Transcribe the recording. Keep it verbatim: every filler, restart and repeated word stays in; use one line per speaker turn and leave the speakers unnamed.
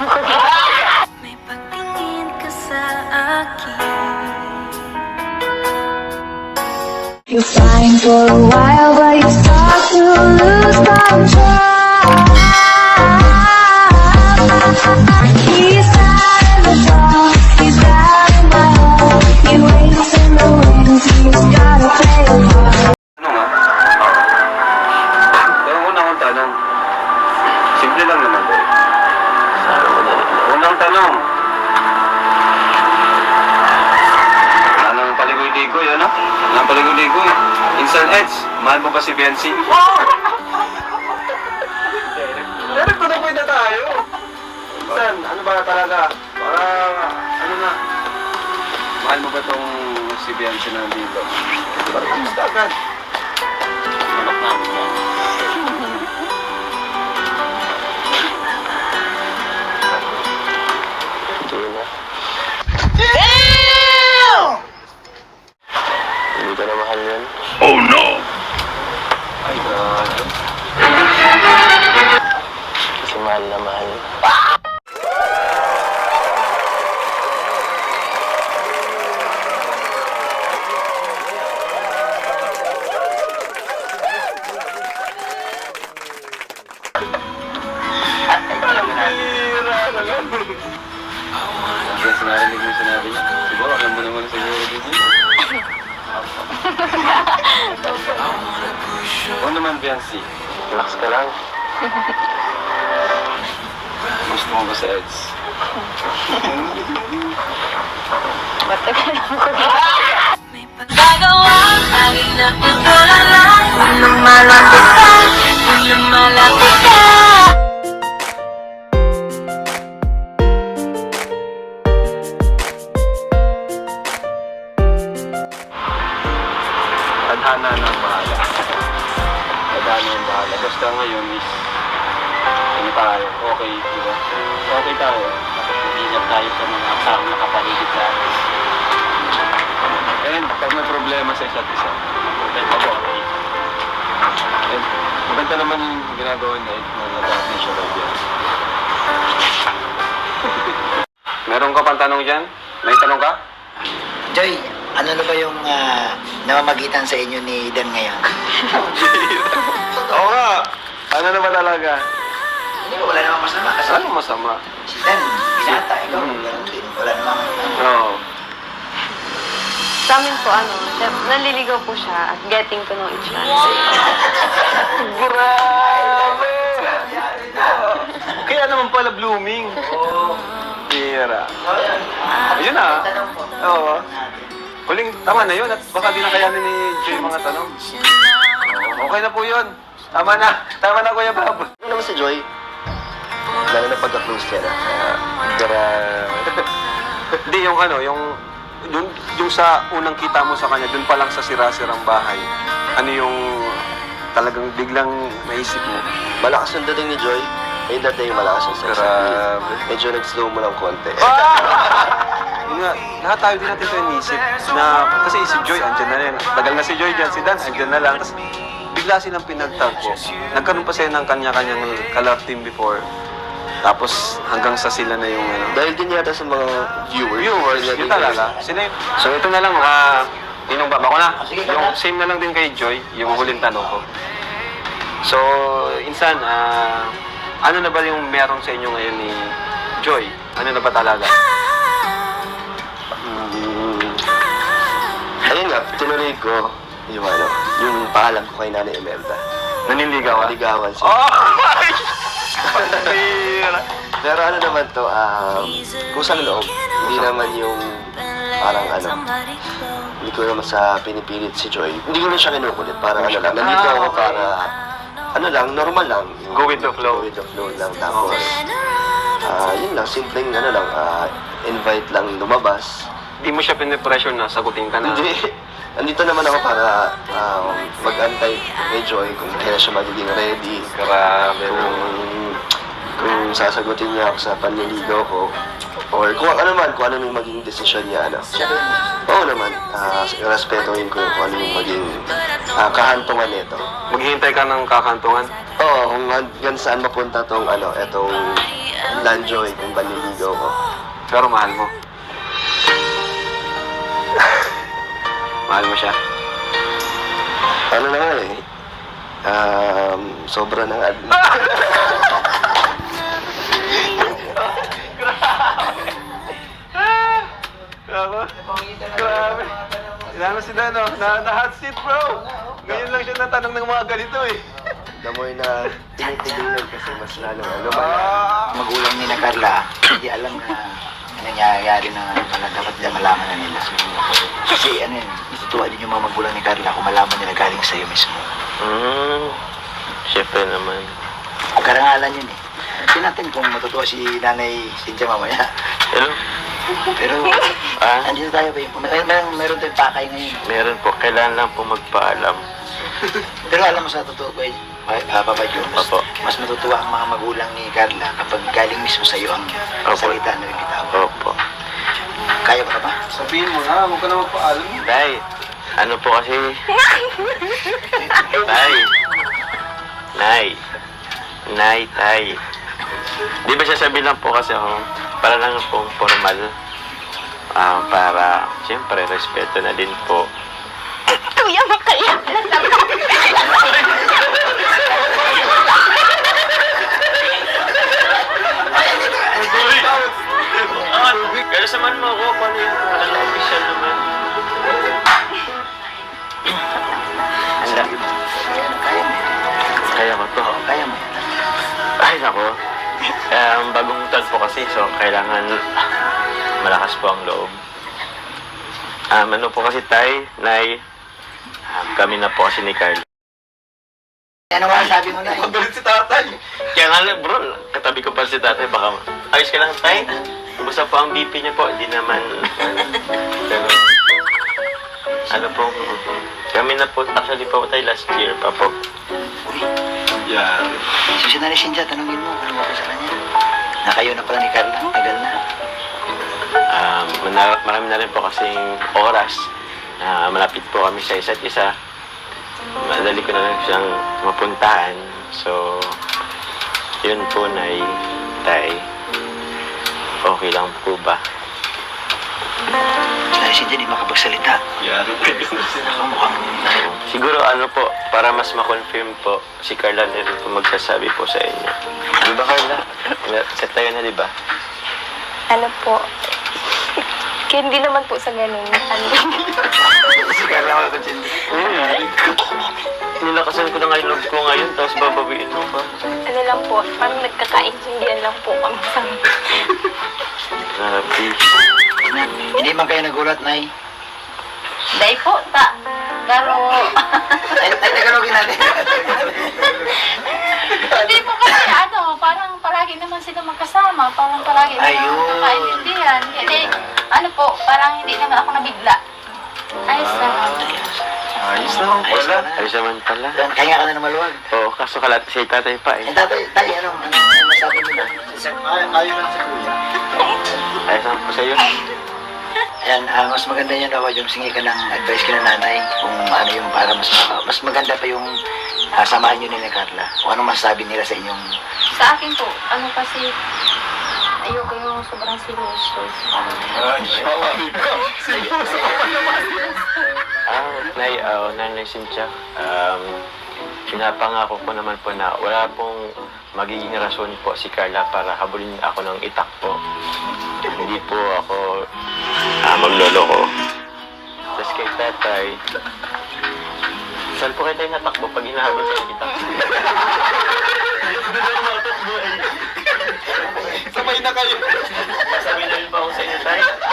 May pagtingin ka sa akin.
You're fine for a while, but you start to lose control. He's out of the door, he's out of my home. He waits in the wings, he's gotta play a part.
Ano nga? Pero una kong tanong. Simple lang naman ba? Unang tanong. Wala nang paligoy-ligoy, ano? Wala nang paligoy-ligoy. Insan Eds, mahal mo ba si Bensi? Direct ko na po na tayo. Insan, ano ba talaga? Para, ano na? Mahal mo ba tong si Bensi na nandito? Para kumusta agad? Manok namin yan.
Hindi ka na mahal yan.
Ay, God.
Kasi mahal na mahal.
Kaya sinarinig mo yung sinabi niya. Siguro, alam mo naman siguro din yun. Oo naman, Biancy.
Relax ka lang.
Gusto mo ba sa Eds?
May paggagawa, laging napagdalala. Kung lumalapit ka, kung lumalapit ka.
Tadhana na ang bahala. Tadhana ang bahala. Basta ngayon is, ano tayo, okay, di ba? Okay tayo. Tapos mag-ingat tayo sa mga aksang nakapaligid sa atin. And pag may problema sa isa't isa, problema ko, okay. And maganda naman yung ginagawa niya, eh, na nag-aapin siya kay Bian. Meron ka pang tanong dyan? May tanong ka?
Joy, ano na ba yung ah, namamagitan sa inyo ni Dan ngayon?
Oo nga! Ano na ba talaga?
Hindi ko, wala namang masama kasi
Ano masama?
si Dan, binata, ikaw,
Hmm.
ganun din. Wala namang,
Oo.
Sa amin po, ano, syem- naliligaw po siya at getting to know each other.
Grabe! Kaya naman pala blooming.
Oo.
Tira.
So, yan.
Ayun na.
Tanong po.
Oo. Huling, tama na yun at baka di na kayanin ni Jay mga tanong. Okay na po yun. Tama na. Tama na, Kuya Bob.
Ano naman si Joy? Lalo na pagka-close ka na. Grabe.
Hindi, yung ano, yung, yung, yung sa unang kita mo sa kanya, dun pa lang sa sira-sirang bahay, ano yung talagang biglang naisip mo?
Malakas yung dating ni Joy. Ayun dati yung malakas yung sex.
Grabe.
Medyo nag-slow mo lang konti.
Yun nga, lahat tayo din natin ito inisip na, kasi si Joy, andyan na rin. Tagal na si Joy dyan, si Dan, andyan na lang. Tapos, bigla silang pinagtagpo. Nagkaroon pa sila ng kanya-kanyang ka-love team before. Tapos, hanggang sa sila na yung ano.
Dahil din yata sa mga viewers.
Viewers,
Sila
yun
din
talaga. Sila yun. So, ito na lang, ah, tinong ba? Ako na.
Sige,
Yung
sige.
same na lang din kay Joy, yung huling tanong ko. So, insan, ah, ano na ba yung meron sa inyo ngayon ni Joy? Ano na ba talaga?
Mm. Ayun nga, tinuloy ko yung ano, yung paalam ko kay Nanay Imelda.
Naniligaw ah?
Naligawan siya.
Oh! Patira!
Pero ano naman to, um, kusang loob. Hindi naman yung parang ano, hindi ko naman sa pinipilit si Joy. Hindi ko na siya kinukulit. Parang ano lang, nandito
Ah,
ako
okay.
para, ano lang, normal lang. Yung-
Go with the flow.
Go with the flow lang. Tapos, ah, yun lang, simpleng ano lang, ah, invite lang lumabas.
Di mo siya pinipressure na sagutin ka na.
Hindi. Nandito naman ako para um, mag-antay kay Joy kung kailan siya magiging ready.
Grabe.
Kung, kung sasagutin niya ako sa panliligaw ko. Or kung ano man, kung ano yung maging desisyon niya. Ano.
Siya rin.
Oo naman, uh, respetuhin ko kung ano yung maging ah, kahantungan nito.
Maghihintay ka ng kakantungan.
Oo, kung hanggang saan mapunta tong ano, etong Lanjoy, kung baniligaw ko.
Pero mahal mo. Mahal mo siya.
Ano na nga eh, um, sobra ng ad...
Grabe. Grabe. Sinama si Dano. Na, na hot seat, bro. Ngayon lang siya natanong ng mga ganito eh.
Damoy na tinitigilan kasi mas lalo ano ba?
Ah!
Magulang ni na Carla, hindi alam na nangyayari na wala dapat nila malaman na nila. Kasi ano yun, natutuwa din yung mga magulang ni Carla kung malaman nila galing sa'yo mismo.
Hmm, syempre naman.
Karangalan yun eh. Tingnan natin kung matutuwa si Nanay Cynthia mamaya.
Hello?
Pero,
Ah?
andito tayo ba yun? May, may, mayroon tayong pakay ngayon.
Meron po, kailangan lang po magpaalam.
Pero alam mo sa totoo ko, eh, uh, Papa Jones,
Opo.
mas matutuwa ang mga magulang ni Carla kapag galing mismo sa iyo ang
Opo.
salita na bibitaw.
Opo.
Kaya mo na ba?
Sabihin mo na, huwag ka na magpaalam.
Tay, ano po kasi... Tay. Nay. Nay, tay. Di ba sasabihin lang po kasi ako, para lang pong formal. Ah, para, siyempre, respeto na din po.
Kuya, makaya na lang.
Pero samahan mo ako, paano yung ano, official naman?
Anda. Kaya mo.
Kaya ko to.
Kaya mo yan.
Ay, nako. Um, bagong taon po kasi, so kailangan malakas po ang loob. Um, ano po kasi tay, nay, um, kami na po kasi ni Carl.
Ano nga sabi mo na eh?
Galit si tatay.
Kaya nga lang, bro, katabi ko pa si tatay, baka ayos ka lang tay. Kumusta po ang B P niyo po? Hindi naman, pero, ano po, kami na po, actually po tayo last year pa po.
Yan.
So si Nanay Cynthia, tanongin mo, ano mo ko sa kanya? Na kayo na pala ni Carla, tagal na.
Um, mana- marami na rin po kasing oras na malapit po kami sa isa't isa. Madali ko na lang siyang mapuntahan. So, yun po, Nay, Tay. Okay lang po ba?
Si Nanay Cynthia di makapagsalita.
Yan.
Ako mukhang...
Siguro ano po, para mas ma-confirm po, si Carla na rin po magsasabi po sa inyo. Di ba, Carla? Set tayo na, di ba?
Ano po? Kaya hindi naman po sa ganun. Ano?
Si Carla makapagsalita.
Hmm. Nilakasan ko na nga yung loob ko ngayon, tapos babawiin mo pa.
Ano lang po, parang nagkakaintindihan lang po kami sa...
Grabe.
Na, hindi man kayo nagulat, Nay.
Day po, ta. Pero,
Ay, ay, tagalogin natin.
hindi po kasi ano, parang palagi naman sila magkasama. Parang palagi naman
Ayun.
magkakaintindihan. Hindi, ano po, parang hindi naman ako nabigla. Ayos na.
Ayos naman
Ayos
pala.
ka na.
Ayos naman pala.
Kaya ka na na maluwag.
Oo, kaso kalat si tatay pa eh.
Eh, tatay, tayo, ano, ano, ano masabi mo na? Ayaw lang sa kuya.
Ayos naman po sa'yo.
Ayan, ah, mas maganda yan daw yung singi ka ng advice ka ng nanay kung ano yung para mas maka- mas maganda pa yung ah, samahan nyo nila Carla. Kung anong masasabi nila sa inyong...
Sa akin po, ano kasi, ayoko yung sobrang seryoso.
Ah, Nay, uh, Nanay Cynthia, um, pinapangako ko naman po na wala pong magiging rason po si Carla para habulin ako ng itak po. Hindi po ako ah, magloloko. Tapos kay tatay, saan po kayo tayo natakbo pag hinahabol sa itak?
Sabay na kayo.
Sabi na rin pa ako sa inyo, tay.